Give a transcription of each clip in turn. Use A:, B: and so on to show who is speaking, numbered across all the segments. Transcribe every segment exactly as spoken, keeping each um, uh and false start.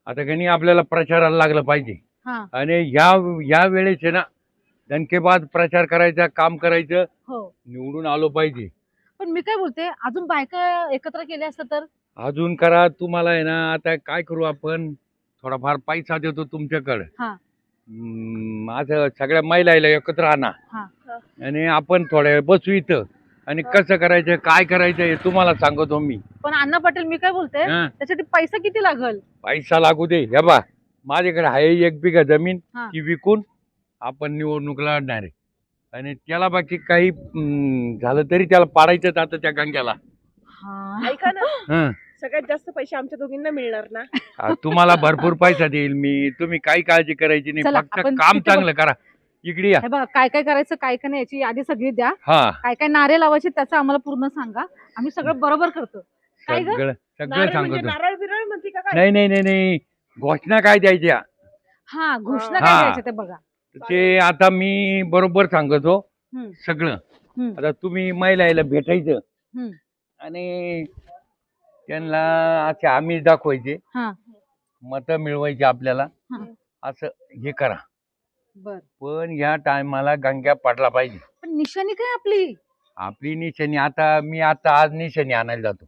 A: आता काही आपल्याला प्रचाराला लागलं पाहिजे
B: हा
A: आणि या या वेळेस आहे ना दणकेबाज प्रचार करायचा, काम करायचं,
B: हो
A: निवडून आलो पाहिजे.
B: पण मी काय बोलते अजून बायका एकत्र केल्या असतं तर
A: अजून करा तुम्हाला आहे ना. आता काय करू आपण, थोडाफार पैसा देतो तुमच्याकडे.
B: हा
A: हम्म, असं सगळ्या महिलाला एकत्र आणा
B: हा
A: आणि आपण थोड्या वेळ बसू इथं आणि कसं करायचं काय करायचं हे तुम्हाला सांगतो मी.
B: पण अण्णा पाटील मी काय बोलते
A: हा.
B: त्यासाठी पैसा किती लागल?
A: पैसा लागू दे. हे बा माझ्याकडे आहे एक बिघा जमीन,
B: हा.
A: ती विकून आपण निवडणूक लढणार आहे आणि त्याला बाकी काही हम्म, झालं तरी त्याला पाडायचंच आता त्या गंग्याला.
B: हा
C: ऐका ना,
A: हं.
C: सगळ्यात जास्त पैसे आमच्या दोघींना मिळणार ना?
A: हा, तुम्हाला भरपूर पैसा देईल मी. तुम्ही काही काळजी करायची नाही,
B: चला,
A: फक्त
B: आपण
A: काम
B: तिथे
A: चांगलं करा. इकडे या.
B: हे बघा काय काय करायचं काय काय नाही याची यादी सगळी द्या.
A: हा
B: काय काय नारे लावायचे त्याचं आम्हाला पूर्ण सांगा. आम्ही सगळं बरोबर करतो. काय ग?
A: सगळं सगळं
C: नारळ म्हणजे
A: सांगतो.
C: नारळ बिरळ म्हणते का काय?
A: नाही नाही नाही नाही घोषणा काय द्यायच्या
B: हा घोषणा
A: हा.
B: काय द्यायच्या ते बघा.
A: ते आता मी बरोबर सांगतो
B: हम्म,
A: सगळं.
B: हम्म,
A: आता तुम्ही महिलाला भेटायचं
B: हम्म.
A: आणि त्यांना असे आम्ही दाखवायचे,
B: हा
A: मतं मिळवायची आपल्याला,
B: हा
A: असं हे करा.
B: बर
A: पण या टायमाला गंग्या पडला पाहिजे.
B: पण निशाणी काय आपली?
A: आपली निशाणी आता मी आता आज निशाणी आणायला जातो.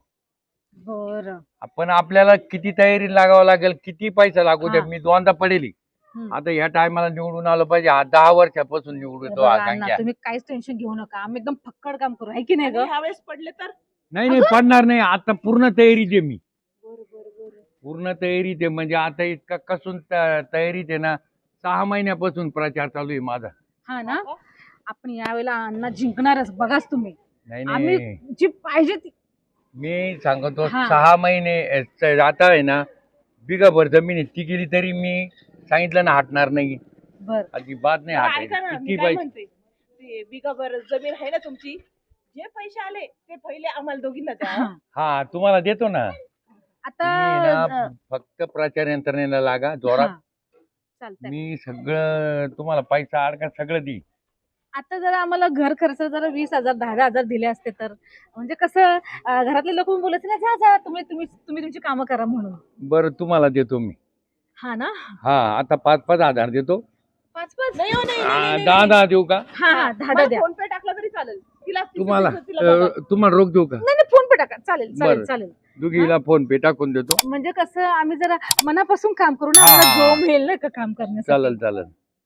B: बर
A: आपण आपल्याला किती तयारी लागावं लागेल, किती पैसा लागू दे,
B: हा.
A: मी दोनदा पडेली. आता या टायमाला निवडून आलं पाहिजे. हा दहा वर्षापासून निवडून तो हा गंग्या.
B: तुम्ही काहीच टेन्शन घेऊ नका. आम्ही एकदम फक्कड काम करू आहे की नाही ग?
C: आणि ह्यावेळेस पडले तर?
A: नाही नाही पडणार नाही. आता पूर्ण तयारीत आहे मी,
C: बरं बरं बरं.
A: पूर्ण तयारीत आहे. म्हणजे आता इतका कसून त- तयारीत आहे ना. सहा महिन्यापासून प्रचार चालू आहे माझा.
B: हा ना आपण यावेळेला अण्णा जिंकणारच बघाच तुम्ही.
A: नाही
B: आम्ही
A: नाही
B: जी पाहिजे ती
A: मी सांगतो
B: हा.
A: सहा महिने अ, च- आता आहे ना बिगाभर जमीन आहे, ती गेली तरी मी सांगितलं ना हटणार नाही.
B: बर
A: अजिबात नाही
C: बरं, ऐका ना,
A: हटायचं.
C: मी
A: किती
C: काय
A: पाहिजे.
C: म्हणते, ते बिगाभर जमीन आहे ना तुमची, जे पैसे आले ते पहिले आम्हाला दोघींना द्या.
B: हा.
A: हा तुम्हाला देतो ना.
B: आता
A: तुम्ही ना
B: अ,
A: फक्त प्रचार यंत्रणेला लागा जोरात.
B: हा. चालतंय.
A: मी सगळं तुम्हाला पैसा अडका सगळं देईन.
B: आता जरा आम्हाला घर खर्च जरा वीस हजार दहा दहा हजार दिले असते तर म्हणजे कसं अ, घरातले लोक बोलायचे ना जा जा तुम्ही तुम्ही तुम्ही तुमची कामं करा म्हणून.
A: बरं तुम्हाला देतो मी.
B: हा ना
A: हा आता पाच पाच हजार देतो.
B: पाच पाच
C: नाही हो, नाही, नाही,
A: आ,
C: नाही, नाही,
A: दहा
C: नाही.
A: दहा देऊ का
B: हा हा दहा
C: मला
B: दहा द्या.
C: फोन पे टाकला तरी चालेल. तिला तिचं
A: तुम्हाला
C: तिचं तिला बघा.
A: अ, तुम्हाला रोख देऊ का.
B: नाही नाही फोन पे टाका चालेल चालेल
A: बरं.
B: चालेल.
A: दुघीला फोन पे टाकून देतो.
B: म्हणजे कसं आम्ही जरा मनापासून काम करू ना
A: हा.
B: आम्हाला जो मिळेल ना का काम करण्यासाठी.
A: चालेल चालेल.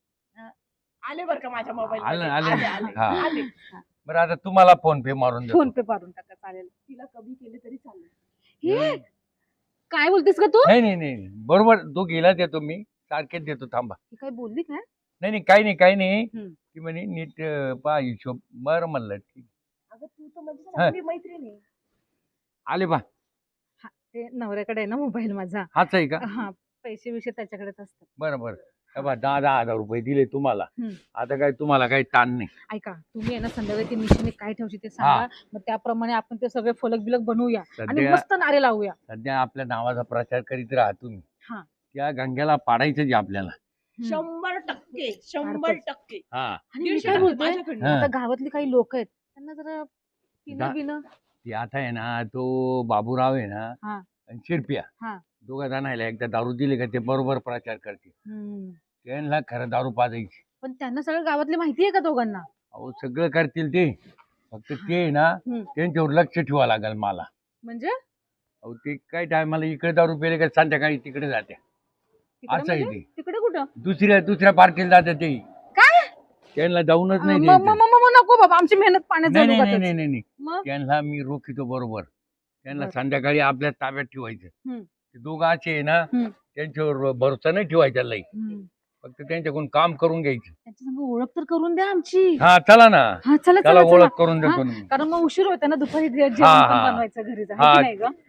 C: आले बरं का माझ्या मोबाईल
A: आले, आले.
C: आले आले
A: हा.
C: आले.
A: बरं आता तुम्हाला फोन पे मारून देतो.
B: फोन पे पाडून टाका चालेल.
C: तिला कमी केले तरी चालेल.
B: हे काय बोलतेस का तू?
A: नाही नाही नाही बरोबर दोघीला देतो मी. सारखेच देतो थांबा.
B: ही काय बोलली काय?
A: नाही नाही काही नाही काही नाही.
B: हम्म.
A: ती म्हणे नीट अ, पहा हिशोब. बरं म्हणलं ठीक.
C: अगं तू तर म्हणजे चांगली मैत्रीण आहे.
A: आले बा.
B: हा, ते नवऱ्याकडे आहे ना मोबाईल माझा.
A: हाच आहे का.
B: हा पैसे विषय त्याच्याकडेच असतात.
A: बरं बरं. हे बा दहा दहा हजार रुपये दिले तुम्हाला.
B: हम्म.
A: आता काय तुम्हाला काही ताण नाही.
B: ऐका तुम्ही आहे ना संध्याकाळी ते निशाने काय ठेवशी ते सांगा. मग त्याप्रमाणे आपण ते सगळे फलक बिलक बनवूया आणि
A: सध्या
B: मस्त नारे लावूया.
A: सध्या आपल्या नावाचा प्रचार करीत राहा तुम्ही.
B: हा.
A: त्या गंग्याला पाडायचंच आहे आपल्याला.
B: हम्म.
C: शंभर टक्के शंभर
B: काढतोच.
C: टक्के.
A: हा
B: आणि मी
C: दीडशे
B: काय
C: टक्के
B: बोलतोय
C: माझ्याकडनं.
A: हा.
B: आता गावातली काही लोक आहेत त्यांना जरा
A: दा-
B: पिणं बिणं.
A: ती आता आहे ना तो बाबूराव आहे ना
B: हा.
A: आणि शिरप्या
B: हा.
A: दोघा जणायला एकदा दारू दिली का ते बरोबर प्रचार करते.
B: हम्म.
A: त्यांना खरं दारू पाजायची.
B: पण त्यांना सगळं गावातली माहिती आहे का दोघांना?
A: अहो सगळं करतील ते. फक्त ते आहे ना
B: हम्म.
A: त्यांच्यावर लक्ष ठेवावं लागेल मला.
B: म्हणजे
A: अहो ते काय टायमाला इकडे दारू पेले का संध्याकाळी तिकडे जाते.
B: तिकडे
A: असं आहे
B: म्हणजे?
A: ते.
B: तिकडे कुठं?
A: दुसऱ्या दुसऱ्या पार्टीला जाते ते.
B: काय?
A: त्यांना जाऊनच नाही
B: म-
A: द्यायचं.
B: म- म- म- नको बाबा आमची मेहनत पाण्यात
A: नाही
B: जाऊ
A: नाही नाही
B: उगाचच.
A: नाही नाही नाही.
B: मग
A: त्यांना मी रोखितो बरोबर. त्यांना
B: बरं.
A: संध्याकाळी आपल्या ताब्यात ठेवायचं.
B: हम्म.
A: ते दोघं असे आहे ना
B: हम्म.
A: त्यांच्यावर भरोसा नाही ठेवायचा लई.
B: हम्म.
A: फक्त त्यांच्याकडून काम करून घ्यायचं.
B: त्यांच्या संग ओळख तर करून द्या आमची.
A: हा चला ना.
B: हा चला
A: त्याला
B: चला चला.
A: ओळख करून देतो
B: हा,
A: ना मी.
B: कारण मग उशीर होता ना दुपारी जे- जेवण
A: हा,
B: पण
A: हा.
B: बनवायचं घरी जा
A: हा.
B: है की नाही ग.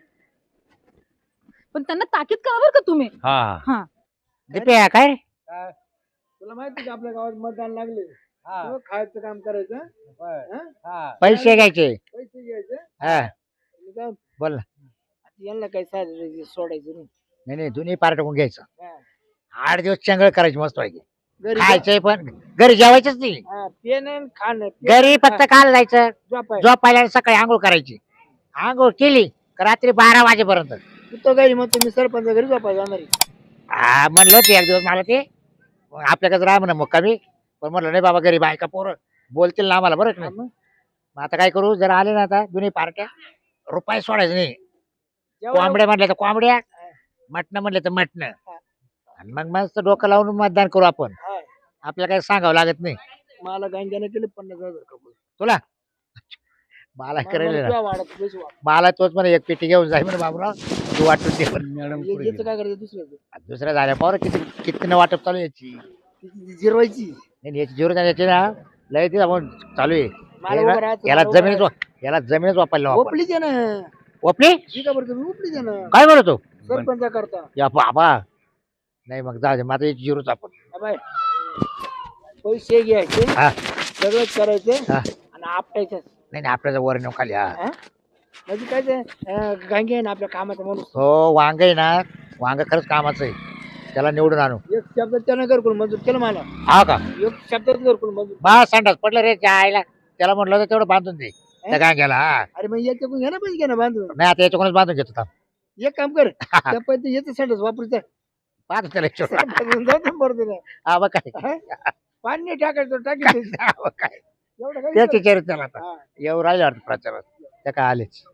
B: पण त्यांना ताकीद करा बरं का तुम्ही.
A: हा
B: हा
D: दिप्या काय रे?
E: काय तुला माहिती का आपल्या गावात मतदान लागले
A: हा.
E: मग खायचं काम करायचं
A: बर.
E: हं?
A: हा.
D: पैसे घ्यायचे.
E: पैसे घ्यायचे
D: हा
E: आणि जाऊन
D: बोल ना.
E: यांना काही साधं सोडायचं नाही
D: नाही नाही दोन्ही पार्टकून घ्यायचं.
E: हा.
D: आठ दिवस चंगळ करायची मस्त पाहिजे.
E: घरी
D: खायचंय पण घरी जेवायचंच नाही.
E: हा, पेन आणि खाणं
D: घरी फक्त काल जायचं
E: झोपायचं.
D: झोपायला सकाळी आंघोळ करायची. आंघोळ केली का रात्री बारा वाजेपर्यंत.
E: तू तर घरी मग तुम्ही सरपंच घरी झोपायला जाणार आहे.
D: हा म्हणलं ते एक दिवस मला ते मग आपल्याकडे राह म्हणा मुक्कामी. पण म्हणलं नाही बाबा घरी बायका पोरं बोलतील ना आम्हाला बरं का नाही. मग आता काय करू जर आले ना आता दोन्ही पार्ट्या रुपये सोडायचं नाही. कोंबड्या म्हणल्या तर कोंबड्या, मटणं म्हणलं तर मटणं. आणि मग मस्त डोकं लावून मतदान करू आपण.
E: हा.
D: आपल्याला काही सांगावं लागत नाही.
E: मला गांजाने केले पन्नास हजार कबूल.
D: तुला मला करेल
E: मला
D: ना.
E: तुझ्या वाढत पैसे वाढ.
D: मला तोच म्हणे एक पेटी घेऊन जाय म्हणे बाबूराव तू वाटून दे म्हणे.
A: मॅडम
E: ये-
A: पुढे
E: याचं काय करायचं दुसऱ्याचं
D: दुसऱ्या झाल्या पावर किती किती वाटप चालू आहे याची.
E: ती जिरवायची.
D: नाही याची जीवन याची ना लय ती आपण चालू आहे.
E: मला
D: हे ना,
E: उभं राहायचं,
D: याला
E: मला उभं
D: जमिनीच वा- याला जमिनीच वापरला वापर.
E: ओपली दे ना.
D: ओपली
E: ठीक आहे बरं तुम्ही ओपली दे ना.
D: काय बोलतो
E: सरपंचा करता.
D: या बाबा नाही मग जाऊ दे माझा याची जिरूच आपण.
E: बाय पैसे घ्यायचे
D: हा
E: सगळंच करायचे
D: हा.
E: आणि आपटायचं.
D: नाही नाही आपल्याला वर नेऊ खाली हा.
E: हा? म्हणजे काय ते अं, गांगे आहे ना आपल्या कामाचा माणूस.
D: हो वांग आहे ना वांग खरंच कामाचं आहे. त्याला निवडून आणू.
E: एक शब्द त्यानं घरकुल मंजूर केलं मला.
D: हा का
E: एक शब्दात घरकुल मंजूर.
D: बा संडास पडलं रे त्या आईला. त्याला म्हटलं होतं तेवढं बांधून दे त्या गांग्याला. हा
E: अरे मग याच्याकडून घ्या ना पैसे घ्या ना बांधून.
D: नाही आता याच्याकडूनच बांधून घेतो थांब.
E: एक काम कर त्या पैसे याचं संडास वापरायचं.
D: पाहतो त्याला विचारून.
E: जाऊ दे बरं तुला.
D: हा मग काय
E: हा? पाणी नाही टाकायचं टाकायचं
D: हा, मग काय
E: एवढं काय
D: त्याच विचार त्याला आता
E: हा.
D: येऊ राहिले वाटतं प्रचारात त्या काय आलेच.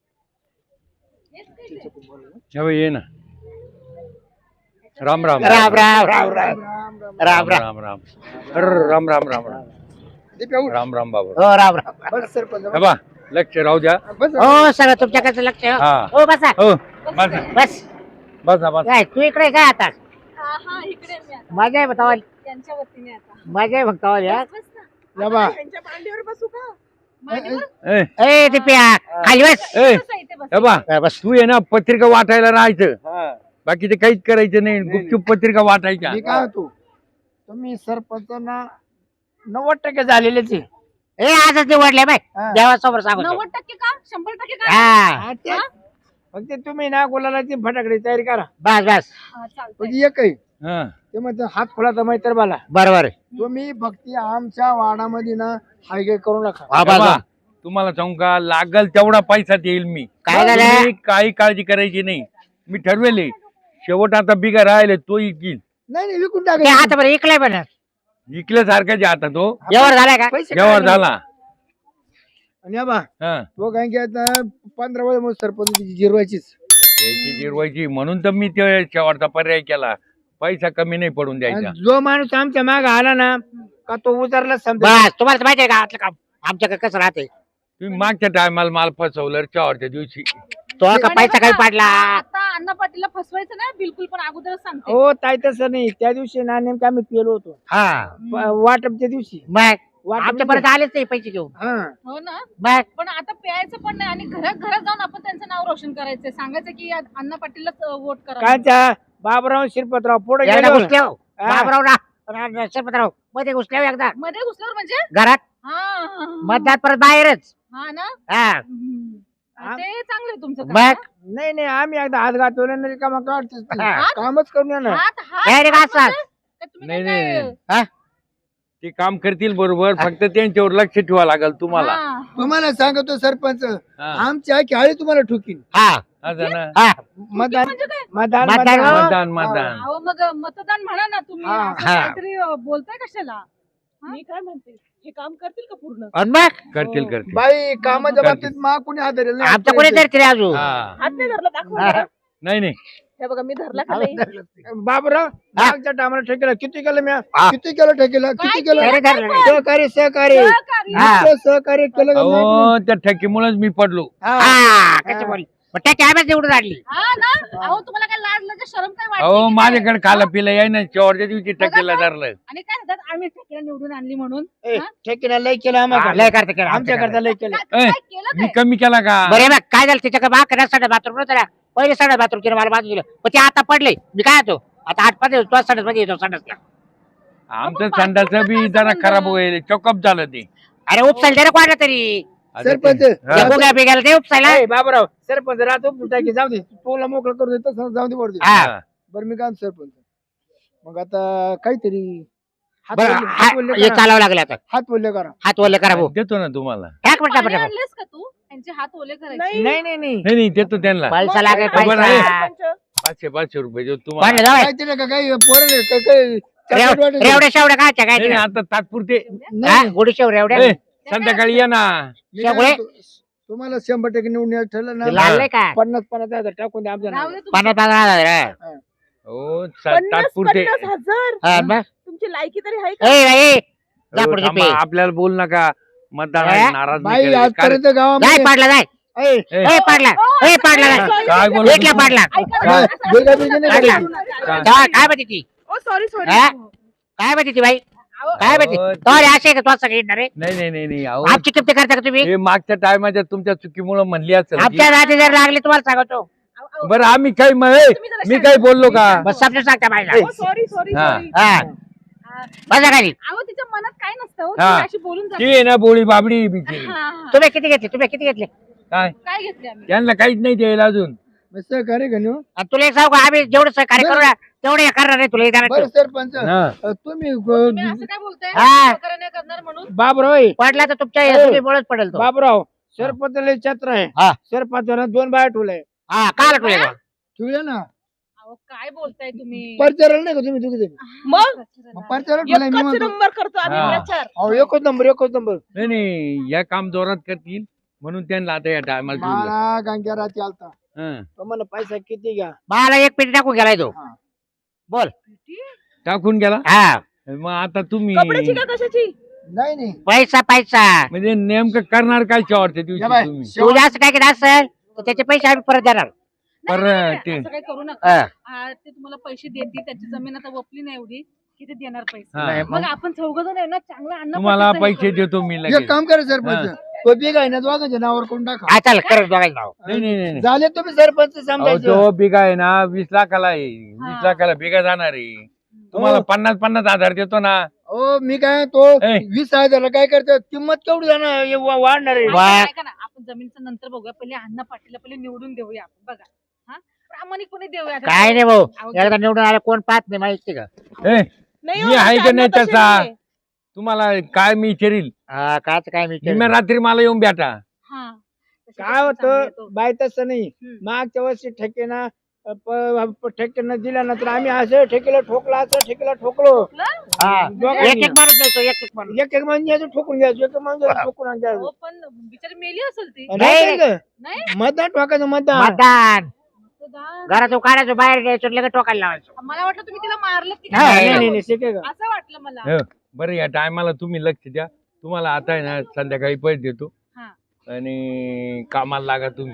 A: हे बघ, ये ना. राम राम
D: राम राम राम राम
E: राम राम.
D: राम राम
A: राम राम अरे, राम राम राम राम
E: ते काय उठ.
A: राम राम बाबा.
D: हो राम राम
E: बस सरपंच
A: हे बा लक्ष राहू द्या.
E: बस
D: हो सगळं तुमच्याकडचं लक्ष आहे.
A: हा
D: हो बसा
A: हो बसा
D: बस
A: बसा बसा.
D: काय तू इकडे काय आता
B: हा हा इकडे मी आता
D: मजा आहे बतावाल
B: त्यांच्या वतीने आता
D: मजा आहे भक्तावाल या
B: बस ना.
E: या बा.
C: त्यांच्या मांडीवर बसू का?
B: मांडीवर
A: ए
D: ए दिप्या खाली बस
A: ए
B: बसा इथे बसा.
A: हे बा
D: हा, बस
A: तू ये ना पत्रिका वाटायला राहायचं.
E: हा.
A: बाकीचं काहीच करायचं नाही. गुपचूप पत्रिका वाटायच्या.
E: मी काय होतो तुम्ही सरपंचांना नव्वद टक्के झालेलेच आहे.
D: ए आजच निवडले बाय
E: हा.
D: देवासमोर सांगतो
B: नव्वद टक्के का शंभर टक्के का
D: हा
E: हा, ते- फक्त तुम्ही ना गुलाला ती फटाकडे तयारी करा.
D: बस बस
B: हा, चालतंय.
E: म्हणजे एक आहे
A: हा
E: ते म्हणते हात खोलाचा मैत्र बाला.
D: बरोबर आहे.
E: तुम्ही भक्ती आमच्या वाडामध्ये ना हायगे करू नका.
D: हा,
A: हे
D: बस,
A: बा,
D: बस.
A: तुम्हाला सांगू का लागल तेवढा पैसा देईल मी.
D: काय झालं?
A: तुम्ही काही काळजी करायची नाही. मी ठरवेले शेवट आता बिगा राहिले तो इकील.
E: नाही नाही विकून
D: ते
E: टाका.
D: आता बरं इकलाय पण
A: इकल्यासारखाच आहे आता तो.
D: व्यवहार झालाय का
E: पैसे
A: व्यवहार
E: काढा.
A: झाला.
E: आणि या बा
A: हा
E: तो काय की आता पंधरा वेळ मग सरपंच जिरवायचीच.
A: त्याची जिरवायची म्हणून तर मी ते शेवटचा पर्याय केला. पैसा कमी नाही पडून द्यायचा.
E: आणि जो माणूस आमच्या माग आला ना का तो उतरला समजा.
D: बस तुम्हाला तर माहिती आहे का आतलं काम आमच्याकडे कसं राहते
A: तुम्ही मागच्या टायमाला माल फसवलं शेवटच्या दिवशी.
D: तो का
B: आणि
D: पैसा
B: बघा,
D: काही पाडला
B: आता अण्णा पाटीलला फसवायचं नाही बिलकुल पण अगोदरच सांगते
E: हो ताई तसं नाही. त्या दिवशी ना नेमकं आम्ही पेलो होतो
D: हा
E: प- वाटपच्या दिवशी.
D: मग
E: वाटप
D: आमच्यापर्यंत आलेच नाही पैसे घेऊन
E: हा
B: हो ना
D: मग
B: पण आता प्यायचं पण नाही आणि घरात घरात जाऊन आपण त्यांचं नाव रोशन करायचंय सांगायचं की आज अण्णा पाटीललाच वोट करा
E: काय त्या बाबराव शिरपतराव पुढे
D: एकदा
E: गेलो.
D: घुसले हो
E: हा.
D: बाबराव ना रा- शरपतराव मध्ये घुसले हो एकदा
B: मध्ये घुसल्यावर म्हणजे
D: घरात
B: हा, हा, हा.
D: मतदान परत बाहेरच
B: हा ना
D: हा
B: हम्म.
E: हा.
B: ते चांगलं आहे तुमचं काम,
D: मग
E: नाही नाही आम्ही एकदा हात घातवले नाही का मग काढतेच नाही.
D: हा.
E: कामच करून
B: हा.
E: येणार.
B: हात हात
D: Direct
B: हात
D: असाच.
B: म्हणजे काय तुम्ही
A: नाही
B: काय
A: नाही
B: काय-
A: नाही. ते काम करतील बरोबर. फक्त त्यांच्यावर लक्ष ठेवा लागेल तुम्हाला.
B: हा.
E: तुम्हाला सांगतो सरपंच
A: हा.
E: आमच्या खेळी तुम्हाला ठुकीन.
D: हा
A: असं ना.
D: हा
E: मतदान
B: म्हणजे काय
E: मतदान
D: मतदान
E: मतदान.
A: मतदान मतदान.
B: अहो मग मतदान म्हणा ना तुम्ही
E: हा.
B: असं
D: हा.
B: काहीतरी अ, बोलताय कशाला
C: मी काय म्हणते हे काम करतील का पूर्ण?
D: आणि मग
A: करतील करतील.
E: बाई कामाच्या
A: करतील.
E: बाबतीत मा कुणी हात धरेल नाही.
D: आमचं कोणी तरी तरी अजून
A: हा
C: हात नाही धरला दाखवा
D: हा.
C: बरं.
A: नाही नाही
C: हे बघा मी धरला का नाही?
E: बाबराव मागच्या टायमाला ठेकेला किती केलं मी
D: हा.
E: किती केलं ठेकेला
B: काय
E: किती केलं
D: तरी धरलं नाही.
E: सहकार्य सहकार्य
B: सहकारी.
D: हा.
E: इतकं सहकार्य केलं का नाही?
A: अहो त्या ठकीमुळेच मी पडलो.
E: हा.
D: हा कसं बोल मग त्या कॅमेरा निवडून आणली
B: हा ना अहो तुम्हाला काय लाज लज्जा शरम काय वाटते
A: अहो
B: की काय?
A: माझ्याकडे खाला पिला याय ना शेवटच्या दिवशी टकेला धरलं.
B: आणि काय म्हणतात आम्ही ठेकेला निवडून आणली म्हणून
E: ए,
B: हा?
E: ठेकेला लय केलं
D: हा,
E: आम्हाला
D: लय करते केलं
E: आमच्या करता लय केलं.
B: काय
A: ए,
B: काय केलं
A: मी
B: काय
A: कमी केला का?
D: बरे बघ काय झालं त्याच्याकडे बा करा साडे बाथरूम नव्हतं पहिले साडे बाथरूम केलं मला बाजू दिलं पण ते आता पडले मी काय येतो आता आठ पाच तो साडे मध्ये येतो संडासला
A: आमचं संडाचं बी जरा खराब होईल. चॉकअप झालं ते.
D: अरे उपसायला जरा वाढलं तरी
A: आता
E: सरपंच
A: ते-
E: हा.
A: हा.
D: गोग्या बिग्याला ते उपसायला
E: ए, बाबराव सरपंच राहतो टाकी जाऊ दे तुला मोकळं करू दे तसं जाऊ दे वर दे.
D: हा
A: हा.
E: बरं मी काय सरपंच मग आता काहीतरी हात
D: बरं
E: वल्ले-
D: हा-
E: हात वल्ले
D: हे
E: करा.
D: चालावं लागलं आता
E: हात बोलले करा.
D: हात वल्ले करा भाऊ
A: देतो ना तुम्हाला.
D: टाक म्हटलं
B: पाणी
D: पटापट
B: आणलेस का तू त्यांचे हात ओले करायचे
C: नाही
E: नाही नाही नाही
A: नाही नाही देतो त्यांना.
D: पैसा लागेल
A: बरं आहे.
D: पैसा
C: सरपंच,
A: पाचशे पाचशे रुपये देऊ तुम्हाला.
D: पाडलं जाऊ
E: काय तिला का काही पोरं नाही, का- काही चॉकलेट वाटत नाही.
D: रेवड्या शेवड्या काय काय
A: नाही,
D: तिला?
A: नाही, आता तात्पुरते
E: नाही,
D: गुढी शेव रेवड्या
A: ए, संध्याकाळी या ना.
E: मी काय
D: शेवळे?
E: म्हणतो, तुम्हाला शंभर टक्के निवडून यायचं ठरलं
D: ते
E: ना
D: लाल नाही का
E: पन्नास पन्नास हजार टाकून द्या आमच्या
B: राहू
E: नावावर.
B: दे तुमचं.
D: पन्नास पन्नास हजार आहे.
A: हो सा-
C: पन्नास
A: तात्पुरते
C: पन्नास हजार
D: हा, मग?
C: तुमची लायकी तरी आहे
D: ए,
C: का
D: ए, जा
A: हो,
D: पुढे
A: थांबा,
D: पे.
A: आपल्याला बोल नका मतदार
D: ए?
A: नाराज
E: बाई
A: नाही करायचं.
E: आजपर्यंत
D: जाय
E: गावामध्ये
D: पाडला जाय
E: ऐ,
A: ए,
D: ए पाडला ए पाडला जाय
A: काय- काय बोलत
D: एकला
A: होती?
D: पाडला
C: ऐका
A: काय?
C: ना, असं-
E: बिलगा बिलगा नाही
D: पाडला.
E: करायचं.
A: काय?
D: तेव्हा काय म्हणते ती
C: ओ सॉरी सॉरी
D: हा? काय म्हणते ती बाई काय म्हणते
A: अहो,
D: तो असे आहे का तो सगळे येणार रे
A: नाही नाही नाही नाही अहो,
D: आमची किमती करता का तुम्ही
A: हे मागच्या टायमाच्या तुमच्या चुकीमुळे म्हणली असेल की-
D: आमच्या रात्री जर लागले तुम्हाला सांगतो
A: बरं आम्ही काही म- ए, मी काही बोललो का
D: बस समजून सांगता बाईला
C: सॉरी सॉरी
A: हा.
C: सॉरी
D: हा बसा खाली
B: अहो तिच्या मनात काय नसतं हो,
A: हा.
B: ती अशी बोलून जाते.
A: ती आहे ना बोळी बाबडी बिचारी.
B: हा, हा.
D: तुम्ही किती घेतले तुम्ही किती घेतले
A: काय
B: काय घेतले आम्ही
A: त्यांना काहीच नाही द्यायला अजून.
E: मग सहकार्य का नाही हो?
D: आणि तुला एक सांगू का आम्ही जेवढं सहकार्य करू ना तेवढे करणार नाही तुला
E: बरं
D: येणार
E: सरपंच
A: हा.
E: अ, तुम्ही
B: तुम्ही
E: अ,
B: असं काय बोलताय
D: हा.
B: सहकार्य नाही करणार म्हणून
E: बाबराव ऐ,
D: पडला तर तुमच्या
E: हो.
D: तुम्ही पडेल तो
E: बाबराव सरपंच लय छत्र आहे
D: हा.
E: सरपंचानं दोन बाया ठेवलंय
D: हा काल तुला
E: ठेवले ना
B: अहो काय बोलताय तुम्ही
E: परचाराला नाही का तुम्ही तुम्ही
C: मग
E: परचाराला ठेवलाय मी
C: एकच
E: म्हणतो
C: नंबर करतो आम्ही
A: हा.
C: प्रचार
E: अहो एकच नंबर एकच नंबर
A: नाही नाही या काम जोरात करतील म्हणून त्यांना आता या टायमाला
E: मला गांग्या रात्री आलता तो मला पैसा किती घ्या
D: मला एक पेटी टाकून गेलाय तो बोल
A: टाकून गेला.
D: हा
A: मग आता तुम्ही
C: कपड्याची का कशाची
E: नाही नाही
D: पैसा पैसा
A: म्हणजे नेमकं करणार काय शेवटच्या दिवशी
E: या बाय,
A: तुम्ही
D: तू
E: शेवट-
D: जास्त काय केलं असेल तर त्याचे पैसे आम्ही परत देणार
B: नाही,
A: पर
B: नाही,
A: ते-
B: असं काही करू नका
D: हा.
B: आ, ते तुम्हाला पैसे देतील त्याची जमीन आता वपली नाही एवढी किती देणार पैसे
A: हा.
E: नाही,
B: मग आपण चौघ जण आहे ना चांगलं अन्न
A: तुम्हाला
B: पचायचं हे
A: पैसे
B: करू.
A: देतो मी
E: एक
A: लगेच.
E: काम करा सरपंच तो बिग आहे ना दोघांच्या नावावर कोण टाका
D: हा चाल करत बघायला नाव
A: नाही नाही नाही, नाही.
E: झाले तुम्ही सरपंच
A: अहो,
E: समजायचं
A: तो बिगा आहे ना वीस लाखाला आहे
B: हा.
A: वीस लाखाला बिगा जाणार आहे तुम्हाला
E: हो.
A: पन्नास पन्नास हजार देतो ना.
E: हो मी काय तो
A: ए.
E: वीस हजारला काय करतो किंमत केवढी जाणार हे वा- वाढणार आहे
D: वा.
B: ऐका ऐका ना आपण जमीनचं नंतर बघूया पहिले अण्णा पाटीलला पहिले निवडून देऊया आपण बघा हा प्रामाणिकपणे देऊया
D: काय नाही भाऊ
B: अहो,
D: एकदा निवडून आला कोण पाहत नाही माहिती का
A: ए,
C: नाही
A: मी
C: हो,
A: आहे का
C: त्यांना
A: नाही
C: तसे
A: तसा?
C: नाहीये.
A: तुम्हाला काय मी विचारील
D: हा काच काय मी
A: निम्या रात्री मला येऊन भेटा.
B: हा तशी
E: काय
B: चांगली
E: होतं
B: आहे तो.
E: बाय तसं नाही
B: हम्म.
E: मागच्या वर्षी ठेकेना ठेकेना दिला नंतर आम्ही असं ठेकेला ठोकला असं ठेकेला ठोकलो
D: हा.
E: दोघांनी.
D: एक एक माणूस द्यायचो एक एक माणूस
E: एक एक म्हणजे असं ठोकून घ्यायचं एक म्हणजे ठोकून घ्यायचं
B: हो पण बिचारी मेली असेल ती
E: नाही का?
B: नाही
E: मतदान ठोकायचं मतदान
D: मतदान
B: तो दा-
D: घरातून काढायचो बाहेर द्यायचो लगेच टोकायला लावायचो
B: मला वाटलं तुम्ही तिला मारलं की
D: नाही,
B: काय
E: नाही नाही नाही शिके का
B: असं वाटलं मला
A: हो, बरं या टायमाला तुम्ही लक्ष द्या. तुम्हाला आता आहे ना संध्याकाळी पैसे देतो
B: हा.
A: आणि कामाला लागा तुम्ही.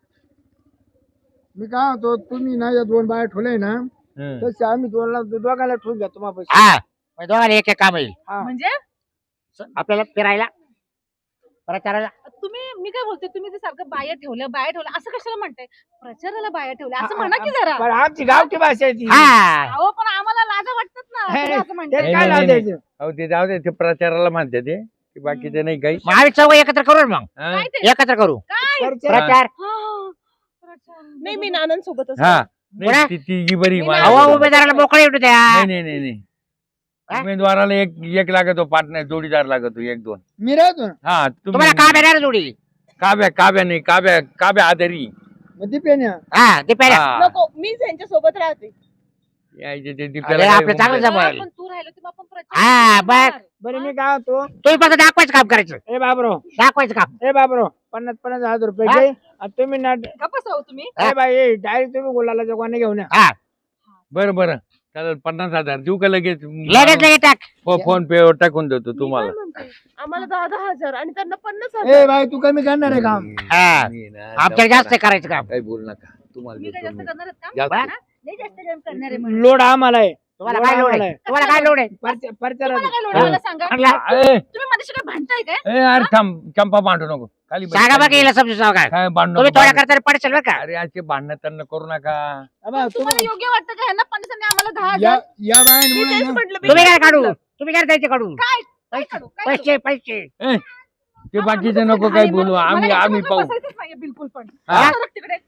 E: मी काय होतो तुम्ही ना या दोन बाया ठेवले ना
A: हं.
E: तसे आम्ही दोन दोघांना ठेवून घ्या तुम्हाला पैसे
D: हा मग दोघांना एक एक काम येईल
E: हा.
B: म्हणजे
D: आपल्याला फिरायला प्रचाराला
B: तुम्ही मी काय बोलते तुम्ही ते सारखं बाया ठेवल्या बाया ठेवल्या असं कशाला म्हणताय प्रचाराला बाया ठेवल्या असं म्हणा की जरा
E: पण आमची गावठी भाषा आहे ती
D: हा
B: अहो पण आम्हाला लाजा वाटतात ना
E: हे,
B: तुम्ही असं
E: ते
B: म्हणताय
A: नाही,
E: काय
A: नाही,
E: लाव
A: नाही.
E: द्यायचं
A: अहो ते जाऊ दे ते प्रचाराला म्हणते ते की बाकीचे नाही काही.
D: मग आम्ही चौघ एकत्र करू ना मग
A: हं?
B: काय ते
D: एकत्र करू
B: काय
E: खर्च-
D: प्रचार
B: हा, प्रचार.
C: नाही मी नानां सोबतच
A: हा
D: पुढे?
A: नाही ती तिघी बरी
B: मी
A: मला-
B: नाही.
D: हवा उमेदवाराला मोकळे येऊ द्या
A: नाही नाही नाही नाही
D: हा?
A: उमेदवाराला एक एक लागतो पार्टनर जोडीदार लागतो एक दोन.
E: मी राहतो ना
A: हा
D: तुम्हाला
A: तुम्ही
D: काम येणार जोडी
A: काव्या काव्या नाही काव्या काव्या आधारी.
E: मग ती पेन्या
D: हा ते पहिल्या
A: हा.
C: नको मी त्यांच्या सोबत राहते
A: यायचे ते
D: अरे,
A: दीप्याला
D: आपलं
A: काय
D: चांगलं
A: उमेद-
D: जमवायला.
B: पण तू राहिलो तर आपण
D: हा,
B: प्रचार
D: बस.
B: करणार.
E: बरं मी काय होतो
D: तुम्ही फक्त दाखवायचं काम करायचं
E: ए बाबरो
D: दाखवायचं काम
E: ए बाबरो पन्नास पन्नास हजार रुपये
D: हा?
E: घे आणि तुम्ही ना
B: गप्प बसावं तुम्ही
E: ए बाई डायरेक्ट तुम्ही गुलाला जगवाने घेऊन या
D: हा
A: बरं बरं चालेल पन्नास हजार देऊ का लगेच
D: लगेच लगेच टाक
A: फो- फोन पे वर टाकून देतो
C: मी
A: तुम्हाला.
C: काय म्हणते, आम्हाला दहा दहा हजार आणि त्यांना पन्नास
E: ए
C: हजार
E: बाई तू कमी करणार आहे काम
D: हा.
A: मी ना-
D: आमच्याला जास्त करायचं काम
A: काही बोल नका तुम्हाला
B: मी काय
A: देतो
B: जास्त
A: मी.
B: करणार आहेत का
A: जास्त.
B: हा? नाही जास्त काम करणार आहे म्हणून.
E: लोड आम्हाला आहे
D: तुम्हाला काय लोड आहे तुम्हाला काय लोड आहे
E: परचा- परचारात
B: तुम्हाला काय लोड आहे मला सांगा
D: म्हणला,
A: ए,
B: तुम्ही माझ्याशी काय भांडताय काय
A: ए, अरे थांब चंपा भांडू नको खाली बस.
D: सांगा बघ येईल समजून सांगा काय
A: काय भांडू
D: तुम्ही
A: नको,
D: थोड्या
A: भांडू.
D: करता पडशील बरं का
A: अरे असे भांडणं त्यांना करू नका.
E: अबा,
B: तुम्हाला
E: तुम्ही-
B: योग्य वाटतं का ह्यांना पन्नास आणि आम्हाला दहा
E: या
B: हजार
E: या
C: मी
E: बायांमुळे
C: तेच
E: ना-
C: म्हटलं मी
D: तुम्ही काय
C: तेच
D: काढू
C: म्हटलं.
D: तुम्ही काय द्यायचे काढू
B: काय काय काढू? काय काढू?
D: पैसे पैसे
A: ए, ते बाकीचे नको काही बोलू आम्ही आम्ही पाहू.
B: बसायचंच नाहीये बिलकुल पण
A: हा.
B: सरक तिकडे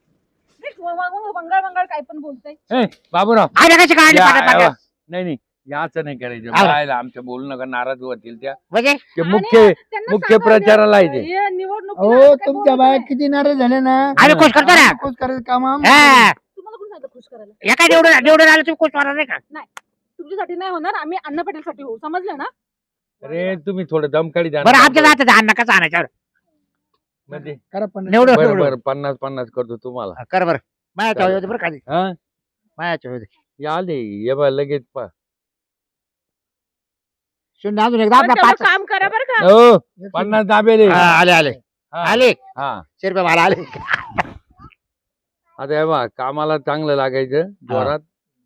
B: बंगाळ बंगाळ काय पण बोलताय
A: ए बाबूराव
D: आम्ही कशी काढली
A: या-
D: पाण्यात
A: या-
D: पाण्यात?
A: नाही नाही याचं नाही करायचं
D: हा.
A: बायला आमच्या बोलू नका नाराज होतील त्या
D: म्हणजे
A: ते
B: आणि
A: मुख्य
B: त्यांना
A: मुख्य
B: सांगा,
A: प्रचाराला आहे ते.
B: हे निवडणुकीला
E: अहो
B: असं काय
E: तुमच्या
B: बोलू
E: बाया
B: नये.
E: किती नाराज झाले ना
D: आम्ही खुश करतो ना
E: खुश करायचं काम आम-
D: हा
B: तुम्हाला कोण सांगतं खुश करायला.
D: एका निवडून निवडून आलं तुम्ही खुश होणार नाही का?
B: तुमच्यासाठी नाही होणार, आम्ही अण्णा पाटीलसाठी होऊ, समजलं ना?
A: अरे तुम्ही थोडं दमकाडी द्या ना.
D: बरं आमच्या जात अन्न कसं आणायचं
A: मध्ये
E: करा पण
D: निवडून
A: बरं
D: निवडून.
A: बरं पन्नास पन्नास करतो तुम्हाला.
D: कर बरं मायाच्या होते बरं खाली
A: हा
D: मायाच्या होते
A: या आले ये बा लगेच पा
D: शून्य अजून एकदा
C: पण
D: आपला
C: तेवढं
D: पाच
C: काम करा बरं का.
A: हो पन्नास दाबेले.
D: हा, आले आले
A: हा.
D: आले
A: हा
D: शे रुपये मला आले
A: आता हे बा कामाला चांगलं लागायचं जोरात.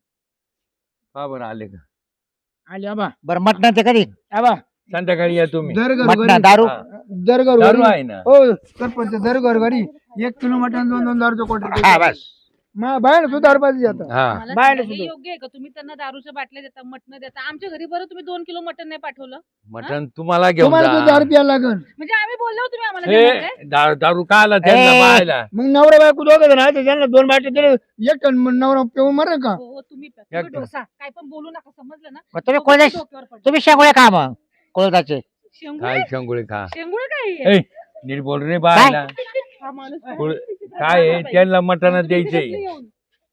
A: हा बरं आले का
E: आली आबा
D: बरं मटणाचं कधी
E: आबा
A: संध्याकाळी या तुम्ही.
E: दर
D: मटणा
E: घरोघरी
D: दारू
A: हा.
E: दर
A: दारू
E: घरोघरी
A: आहे ना.
E: हो सरपंच दर घरोघरी एक किलो मटण दोन दोन दारूचं
D: हा
E: क्वार्टर
D: बस
E: मग बाहेर सुद्धा दारू जातात
A: हा
B: मला
E: बाहेर
B: सांगा, हे
E: सुद्धा.
B: योग्य आहे का तुम्ही त्यांना दारूच्या बाटल्या देता, मटण देता? आमच्या घरी बरं तुम्ही दोन किलो मटण नाही पाठवलं,
A: मटण तुम्हाला घेऊन
E: तुम्हाला तो
A: जा.
E: दारू प्यायला लागल
B: म्हणजे आम्ही बोललो तुम्ही आम्हाला देणार काय?
A: हे दा- दारू का आला त्यांना
D: ए.
A: पाहायला.
E: मग नवरा बायको दोघं जण आहे त्यांना दोन बाटले दिले एक टन मग नवरा पिऊन मर का
B: हो हो, तुम्ही प्या. तुम्ही
A: एकटं.
B: डोसा काय पण बोलू नका, समजलं ना?
D: मग तुम्ही
B: डोक्यावर
D: कोळदा
B: डोक्यावर पडलं.
D: तुम्ही शेंगोळे खा मग कोळदाचे
B: शेंगुळे
A: काय शंगुळे खा.
B: शेंगुळे काय आहे?
A: ए नीट बोल रे बायला.
C: हा माणूस
A: कुळ- काय आहे त्यांना मटण द्यायचंय.
B: येऊन.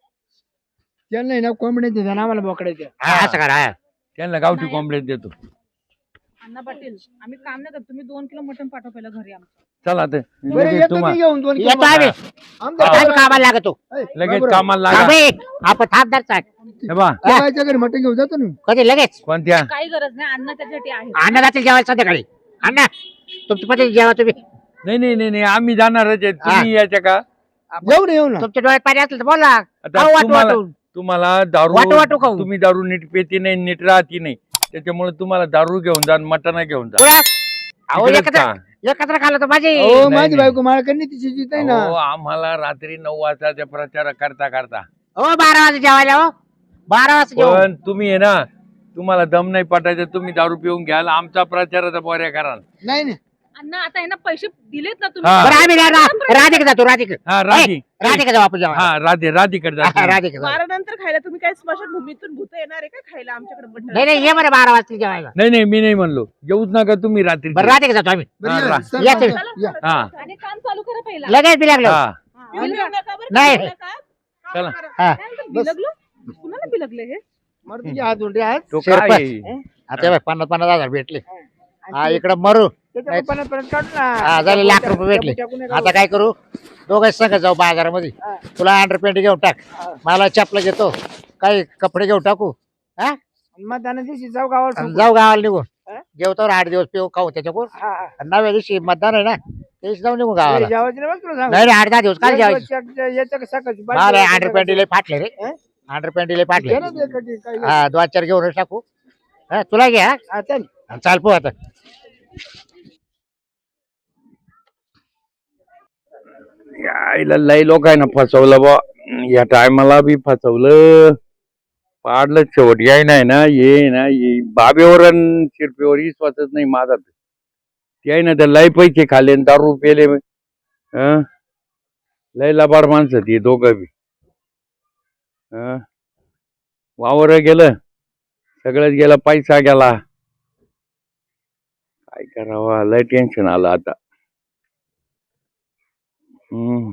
E: त्यांना आहे ना कोंबड्या देतात आम्हाला बोकड्या द्या
D: हा असं करा हा.
A: त्यांना गावठी कॉम्प्लेट देतो.
B: अण्णा पाटील आम्ही काम नाही करत, तुम्ही दोन किलो मटण पाठवा पहिला घरी आमचं.
A: चला तर
E: बरं
A: लगेच
E: येतो मी
A: तुम्हाला
E: घेऊन दोन किलो
D: येतो आम्ही
E: मटण. आमच्या
A: हा.
D: आम्ही
E: घरात-
D: कामाला लागतो
E: ऐ,
A: लगेच
E: बाबूराव,
A: कामाला लागा.
D: अबे, आपण थांबदार चाक
A: हे बा
E: त्या बाईच्या घरी मटण घेऊन जातो ना
D: कधी लगेच
A: कोणत्या
B: काही गरज नाही, अण्णा त्याच्यासाठी आहे.
D: अण्णा जातील जेवायला संध्याकाळी अण्णा तुमची पती जेवा तुम्ही
A: नाही नाही नाही नाही आम्ही जाणारच आहे. तुम्ही याच्या का
E: येऊ ना येऊ ना
D: तुमच्या डोळ्यात पाणी असलं तर बोला
A: आता
D: खाऊ वाटू
A: तुम्हाला
D: वाटून.
A: तुम्हाला दारू
D: वाटू वाटू खाऊ.
A: तुम्ही दारू नीट पेती नाही नीट राहती नाही त्याच्यामुळे तुम्हाला दारू घेऊन जा मटण घेऊन जा.
D: पुढं. अहो
A: तिकडेच
D: एकत्र
A: का?
D: एकत्र खाल्लं तर माझी
E: हो
A: नाही,
E: माझी
A: नाही.
E: बायको मला करणे तिची जीत आहे ना
A: अहो, आम्हाला रात्री नऊ वाजता ते प्रचार करता करता
D: हो बारा वाजता जेवायला हो बारा वाजता जेवू
A: पण तुम्ही आहे ना तुम्हाला दम नाही पटायचं तुम्ही दारू पिऊन घ्याल आमचा प्रचाराचा पोऱ्या कराल.
E: नाही नाही
B: अण्णा आता आहे ना पैसे दिलेत ना तुम्ही.
A: हा.
D: बरं आम्ही रा- रा- राधिका जातो राधिका
A: हा राधी
D: राधिका जाऊ आपण जेवायला
A: हा राधे राधीकडे
D: हा,
A: जा.
D: राधिका जाऊ.
C: वारानंतर खायला तुम्ही काय स्मशानभूमीतून भूत येणार आहे का खायला आमच्याकडे मटण?
D: नाही नाही ये बरं बारा वाजता जेवायला
A: नाही नाही मी नाही म्हणलो येऊच नका तुम्ही रात्री.
D: बरं राधिका जातो आम्ही
E: बरं,
A: हा,
E: या,
A: रा-
E: सरपंच,
D: या
E: या.
C: चला,
E: या.
C: चला,
A: हा.
C: चला.
B: आणि काम चालू करा पहिला.
D: लगेच बी लागलो
A: हा
C: पिऊन घेऊ नका बरं का,
D: नाही.
C: पिऊन नका. काम
A: चला.
C: करा.
D: हा
B: काय म्हणतो, बिलगलो कुणाला बिलगले हे?
E: मर तुझे हात उलटे हात
A: तो
D: शिरपत.
A: काय आहे?
D: आता बघ, पन्नास पन्नास हजार भेटले हा इकडं मरू
E: त्याच्या पप्पाला परत काढ ना
D: हा झाले लाख रुपये भेटले
E: टाकून नका.
D: आता काय करू दोघं संग जाऊ बाजारामध्ये तुला अंडरपॅन्ट घेऊन टाक मला चपला घेतो काही कपडे घेऊन टाकू हा
E: मग त्यानं दिवशी जाऊ गावाला
D: आणि
E: ठोकू.
D: जाऊ गावाला निघून
E: हा?
D: जेवतो आठ दिवस पिऊ खाऊ त्याच्याकडून
E: हा, हा.
D: आणि नव्या दिवशी मतदान आहे ना त्याची जाऊ निघू
E: ते
D: गावाला
E: जेवायचं नाही बरं तुला सांगू.
D: नाही रे आठ दहा दिवस काय
E: एक
D: जेवायचं
E: दिवस एक- याच्या सकाळची बाई
D: मला
E: जेवायचं
D: अंडरपॅन्ट लय फाटले रे
E: हा?
D: अंडरपॅन्ट लय फाटले
E: घे ना ते कधी काही.
D: हा दोन चार घेऊन टाकू हा तुला घ्या
E: हा, चल.
D: चाल पो आता
A: यायला लय लोकांना फसवलं बा या टायमाला बी फसवलं पाडलं शेवट याय नाही ना ये ना ये बाबेवर अन शिरपेवर विश्वासच नाही माझा तर. ते आहे ना तर लय पैसे खाले न दारू पेले हं? लय लबाड माणसं ती दोघं बी हं? वावर गेलं सगळंच गेलं पैसा गेला काय करावा लय टेन्शन आलं आता. हम्म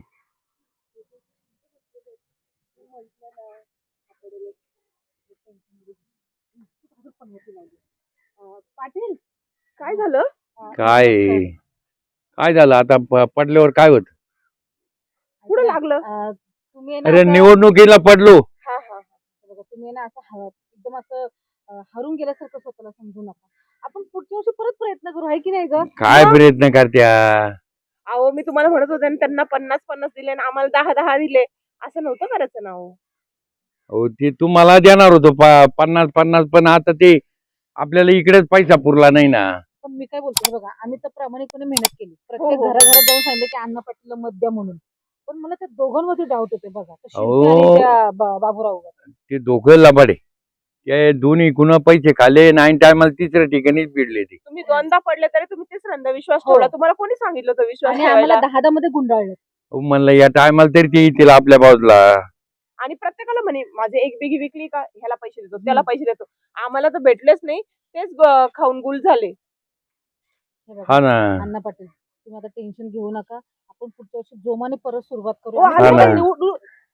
B: पाटील
C: काय झालं?
A: काय काय झालं आता प- पडल्यावर काय होत.
C: कुठं लागलं?
B: अं, तुम्ही आहे ना
A: अरे
B: आता-
A: निवडणुकीला पडलो
C: हा हा
B: बघा, तुम्ही आहे ना असं ह- एकदम असं अं, हरून गेल्यासारखं स्वतःला समजू नका. आपण पुढच्या वर्षी परत प्रयत्न करू, आहे की नाही ग?
A: काय प्रयत्न करत्या.
C: अहो मी तुम्हाला म्हणत होते ना, त्यांना पन्नास पन्नास दिले आणि आम्हाला दहा दहा दिले, असं नव्हतं करायचं ना हो.
A: हो ते तुम्हाला देणार होतो प- पन्नास पन्नास पण आता ते आपल्याला इकडेच पैसा पुरला नाही ना.
B: पण मी काय बोलते बघा, आम्ही तर प्रामाणिकपणे मेहनत केली,
C: हो,
B: प्रत्येक
C: हो.
B: घराघरात जाऊन सांगितलं की अण्णा पाटीलला मत द्या म्हणून. पण मला त्या दोघांमध्ये डाऊट होते बघा, त्या
A: अहो.
B: शिंदे आणि त्या बा- बाबूराववर.
A: ते दोघं लबाडे ते दोन्ही कुणा पैसे खाले नाईन टायमाला तिसऱ्या ठिकाणीच भिडले ते.
C: तुम्ही दोनदा पडले तरी तुम्ही तिसऱ्यांदा विश्वास
B: हो.
C: ठेवला. तुम्हाला कोणी सांगितलं होतं विश्वास
B: आणि आम्हाला
C: ठेवायला?
B: दहा दहा मध्ये गुंडाळलं.
A: अहो, म्हणलं या टायमाला तरी ते येतील आपल्या बाजूला.
C: आणि प्रत्येकाला म्हणे माझे एक बिगी विकली का ह्याला पैसे देतो त्याला पैसे देतो. आम्हाला तर भेटलेच नाही, तेच ग- खाऊन गुल झाले.
B: हे बघा,
A: हा ना
B: अण्णा पाटील तुम्ही आता टेन्शन घेऊ नका, आपण पुढच्या वर्षी जोमाने परत सुरुवात करू.
C: हो,
B: आणि
A: हा ना.
B: निवडून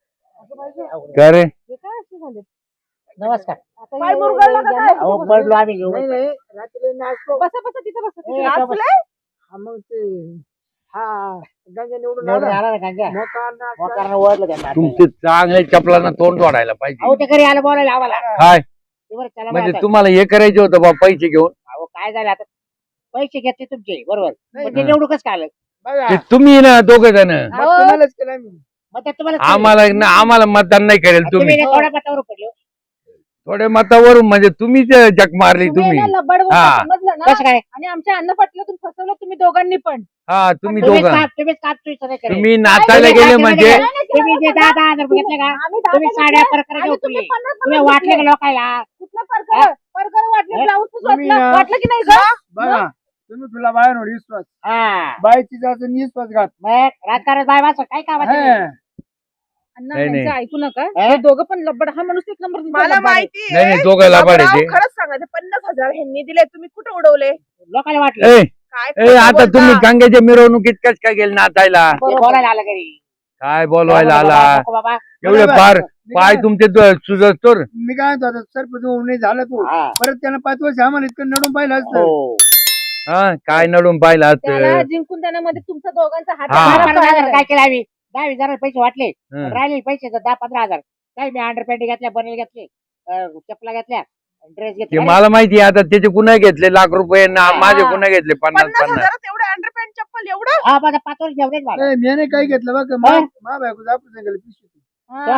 A: का रे
B: हे काय असे झाले
D: नमस्कार.
B: आता
C: पाय
B: हे-
C: मुरगळला का
B: यांना
C: काय?
B: कुठं
D: अहो
B: बसवलं?
D: पडलो आम्ही घेऊन.
E: नाही नाही रात्री नाचतो
B: बसा बसा तिथं बसा तिथं
D: ए,
B: बसा.
C: नाचलंय?
E: हा, मग ते हा गंगा निवडून
D: निवडून
E: आला
D: आला ना गांजा.
E: मोका नाच
D: मोकारानं ओढलं त्यांना.
A: तुमचे चांगले चपलांना तोंड वाढायला पाहिजे
D: अहो ते घरी आलं बोलायला आम्हाला.
A: काय
D: ते बरं चला
A: म्हणजे
D: बरं आता.
A: तुम्हाला हे करायचे होतं बा पैसे घेऊन
D: अहो काय झालं आता पैसे घेतले तुमचे बरोबर
E: नाही,
D: पण ते
A: हा.
D: निवडूकच काय आलं
E: बघा
A: ते तुम्ही ना दोघ जण
E: मग तुम्हालाच केलं मी
D: मग ते तुम्हाला
A: आम्हाला ना आम्हाला मतदान नाही करेल
D: तुम्ही
A: तुम्ही
D: थोड्या मतावर पडले हो.
A: थोड्या मतावरून म्हणजे तुम्हीच जग मारली
B: तुम्ही
A: तुम्ही
B: ना लबाड बोलता,
A: हा.
B: समजलं ना
D: कसं काय
B: आणि आमच्या अन्न पाटलं तुम्ही फसवलं तुम्ही दोघांनी पण
A: हा तुम्ही
D: तुम्हीच
A: दोघं
D: काप तुम्हीच काप तुम्ही सगळे करेल.
A: तुम्ही नाचायला
D: तुम्ही
A: गेले
D: नाचायला
A: म्हणजे
D: गेले. तुम्ही जे दहा दहा हजार रुपये घेतले का
B: आम्ही दहा
D: तुम्ही
B: हजार
D: साड्या
B: घेतले
D: परकर
B: आणि
D: घेऊन
B: तुम्ही पन्नास
D: तुम्ही
B: पन्नास
D: वाटले का
B: घेतले.
D: लोकायला
B: कुठलं परकर परकर वाटले
D: हे?
B: ब्लाऊज
E: तुम्ही,
B: वाटलं
E: अं,
B: वाटलं की नाही ग
E: बघा तुम्ही तुला बाहेर विश्वास
D: हा
E: बायची जायचं विश्वास घात
D: मग राजकारण बाय वाचत काय कामाचं नाही.
E: हा.
B: अण्णा
A: नाही, नाही.
B: यांचं ऐकू नका
D: हे?
B: हे दोघं पण लब्बड हा माणूस एक नंबर तुमचा
C: मला
B: लबाड आहे.
C: माहिती
A: नाही नाही दोघं लबाड आहे ते
C: खरंच सांगायचं पन्नास हजार ह्यांनी दिले तुम्ही कुठे उडवले
D: लोकांना वाटलं
A: ए,
C: काय
A: ए
C: खोटं
A: आता
C: बोलता?
A: तुम्ही गंगेच्या मिरवणुकीत कस काय गेले नाचायला
D: ते बोलायला आलं घरी
A: काय बोलवायला
D: नको
A: आला
D: नको बाबा
A: एवढे
E: बरोबर.
A: फार
E: मी
A: पाय
E: काय-
A: तुमचे द- सुजतोर
E: मी काय म्हणतो आता सरपंच होऊन नाही झाला तू
D: हा.
E: परत त्यानं पाच वर्ष आम्हाला इतकं नडून पाहिलं असतं
D: हो.
A: हा काय नडून पाहिला
B: त्याला जिंकून देण्यामध्ये तुमचा दोघांचा हात
A: हा.
B: आहे.
D: दहा पंधरा हजार काय केलं आम्ही दहा वीस हजार पैसे वाटले
A: हं.
D: राहिले पैसे तर दहा पंधरा हजार काय मी अंडर पॅन्ट घेतल्या बनेल घेतले अं, चपला घेतल्या ड्रेस
A: ते
D: घेतले
A: मला माहिती आहे आता त्याचे कुणा घेतले लाख रुपये ना
D: हा.
A: माझे कुणा घेतले पन्नास
C: पन्नास
A: पन्नास
C: हजारात एवढं अंडरपॅन्ट चप्पल एवढं
D: हा माझा पाच वर्ष जेवढेच मला
E: नाही, मी नाही काही घेतलं बघ
D: हा?
E: मा बायको आपण सांगितलं पिशवी
B: हा.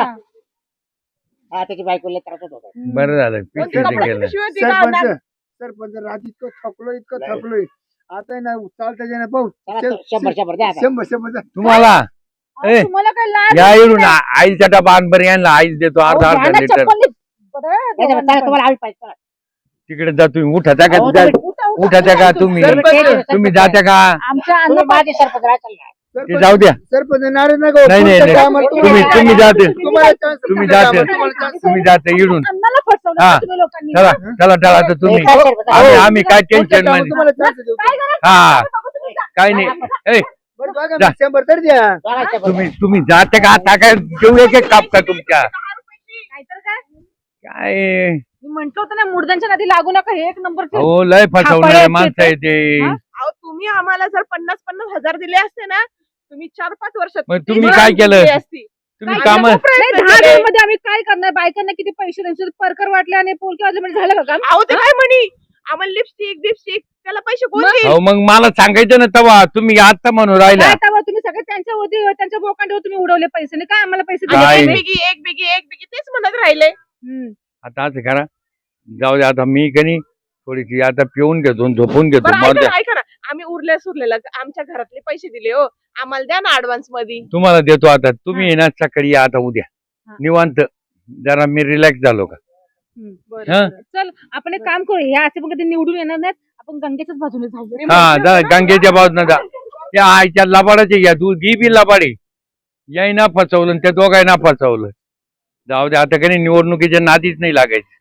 D: हा त्याची बायको लय त्रास होत होता.
A: बरं झालं
C: कोणती
A: पिशवीचं
C: कपड्याची
A: केलं
C: पिशवी होती का?
E: सरपंच सरपंच रात इतकं थकलोय इतकं
D: नाही.
E: थकलोय आता आहे ना चालता येणार पाहू
D: चला, शंभर शंभर द्या आता.
E: शंभर शंभर जा.
A: तुम्हाला
B: अहो,
A: ए,
B: तुम्हाला काय लाज
A: या
B: वाटते
A: इडून
B: का?
A: आईचा डबा आणबर यांना आईच देतो
B: अहो,
A: अर्धा
B: घ्या
A: अर्धा
B: ना
A: लिटर
B: चप्पल. बरं,
D: नाही, नाही,
B: दोघांना
D: चला,
B: पण.
D: तुम्हाला आम्ही पाहिजे चला.
A: तिकडे जा तुम्ही उठा त्या का
D: अहो,
A: त्या-
D: तुम्ही-
B: उठा, उठा,
A: उठाच्या का
B: उठा.
A: तुम्ही
E: सरपंच,
D: सरपंच,
A: तुम्ही
D: सरपंच.
A: जात्या का
B: आमच्या अन्न
D: तुम्ही माझे सरपंच राहा चला.
A: ते
E: सरपंच
A: जाऊ द्या
E: सरपंच नाराज नका
A: नाही, नाही, नाही.
E: आम्हाला
A: तुम्ही
E: तुम्हाला-
A: तुम्ही जाते
E: तुम्हाला chance
A: तुम्ही
E: द्या,
A: जाते.
E: आम्हाला तुम्हाला chance
A: तुम्ही जाते इडून
B: अन्नाला फसवलं
A: हा.
B: का तुम्ही लोकांनी
A: चला
B: हा?
A: चला चला आता तुम्ही
D: नाही, काय सरपंच?
A: आम्ही
D: अहो,
A: आम्ही काय टेन्शन
E: द्या,
A: मध्ये
E: तुम्हाला chance देऊ.
B: काय गरज
A: हा.
B: नाही, बघू तुम्ही जा.
A: काय नाही ए
E: बरं बघा,
A: जा.
E: शंभर तर द्या
D: दोघांचे शंभर.
A: तुम्ही तुम्ही जाते का आता काय घेऊ एक एक काप का तुमच्या
B: नाहीतर काय
A: काय
B: मी म्हंटल होतं ना मुर्द्यांच्या नदी लागू नका हे एक नंबर
A: हो लय फसवणारे माणसं आहे ते
B: हा?
C: अहो तुम्ही आम्हाला जर पन्नास पन्नास हजार दिले असते ना तुम्ही चार पाच वर्षात
A: मग
C: तीन
A: तुम्ही
C: वेळा
A: काय केलं?
C: दिली असती.
A: तुम्ही
C: काय
A: काम
C: केलं? प्रयत्न
B: दहा
C: केले.
B: मध्ये आम्ही काय करणार बायकांना किती पैसे द्यायचे परकर वाटले आणि पोलके वाजले म्हणजे झालं का काम
C: अहो ते काय म्हणी आम्हाला लिपस्टिक बिपस्टिक त्याला पैसे कोण देईल?
A: हो मग मला सांगायचं ना तवा तुम्ही आता म्हणून राहिला
B: काय तेव्हा तुम्ही सगळे त्यांच्या होती त्यांच्या बोकांडीवर तुम्ही उडवले पैसे नाही काय आम्हाला पैसे
C: आणि
A: काय
C: एक
A: नाही.
C: बिगी एक बिगी एक बिगी तेच म्हणत राहिले
B: हम्म.
A: आता असं करा जाऊ दे आता मी कनी थोडीशी आता पिऊन घेतो आणि झोपून घेतो
C: बरं
A: मरू
C: ऐका
A: द्या.
C: ना, ऐका ना आम्ही उरले सुरलेला आमच्या घरातले पैसे दिले हो आम्हाला द्या ना ऍडव्हान्स मध्ये
A: तुम्हाला देतो आता तुम्ही ये ना सकाळी या आता उद्या
B: हा.
A: निवांत जरा मी रिलॅक्स झालो का
B: हम्म.
C: बरं,
A: हा?
C: बरं.
B: चल आपण एक काम करू ह्या असे पण कधी निवडून येणार नाहीत आपण गंगेच्याच बाजूने जाऊ
A: हा जा गंगेच्या बाजून जा त्या आईच्या लबाडाचे घ्या तू गी बी लबाडी याय ना फसवलं आणि त्या दोघांना फसवलं जाऊ दे आता काही निवडणुकीच्या नादीच नाही लागायचं